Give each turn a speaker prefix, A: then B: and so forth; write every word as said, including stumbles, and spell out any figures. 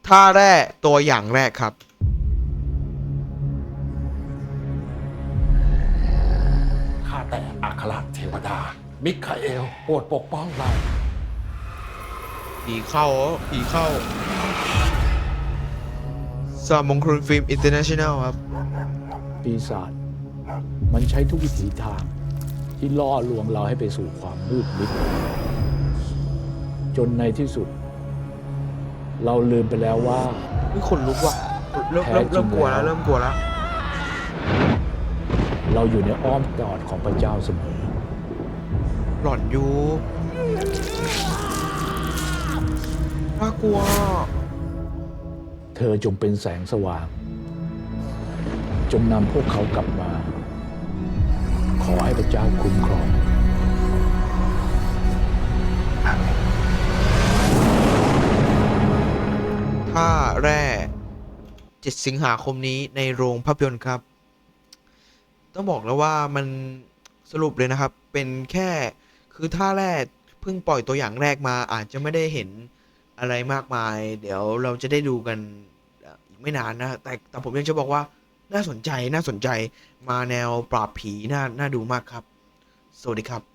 A: ท่าแรกตัวอย่างแรกครับ
B: ข้าแต่อัครเทวดา มิคาเอลโปรดปกป้องเรา
A: ผีเข้าผีเข้าสามมงคลฟิล์มอินเตอร์เนชั่นแนลครับ
C: ปีศาจมันใช้ทุกวิถีทางที่ล่อลวงเราให้ไปสู่ความมืดมิดจนในที่สุด เราลืมไปแล้วว่า
A: นี่ขนลุกว่ะเริ่มเริ่มเริ่มกลัวแล้วเริ่มกลัวแล้ว
C: เราอยู่ในอ้อมกอดของพระเจ้าเสมอ
A: หลอนอยู่น่ากลัว
C: เธอจงเป็นแสงสว่าง จงนำพวกเขากลับมา ขอให้พระเจ้าคุ้มครองอาเมน
A: ท่าแรกเจ็ดสิงหาคมนี้ในโรงภาพยนตร์ครับ ต้องบอกแล้วว่ามันสรุปเลยนะครับ เป็นแค่คือท่าแรกเพิ่งปล่อยตัวอย่างแรกมาอาจจะไม่ได้เห็นอะไรมากมาย เดี๋ยวเราจะได้ดูกันอีกไม่นานนะแต่แต่ผมยังจะบอกว่าน่าสนใจน่าสนใจมาแนวปราบผีน่าน่าดูมากครับ สวัสดีครับ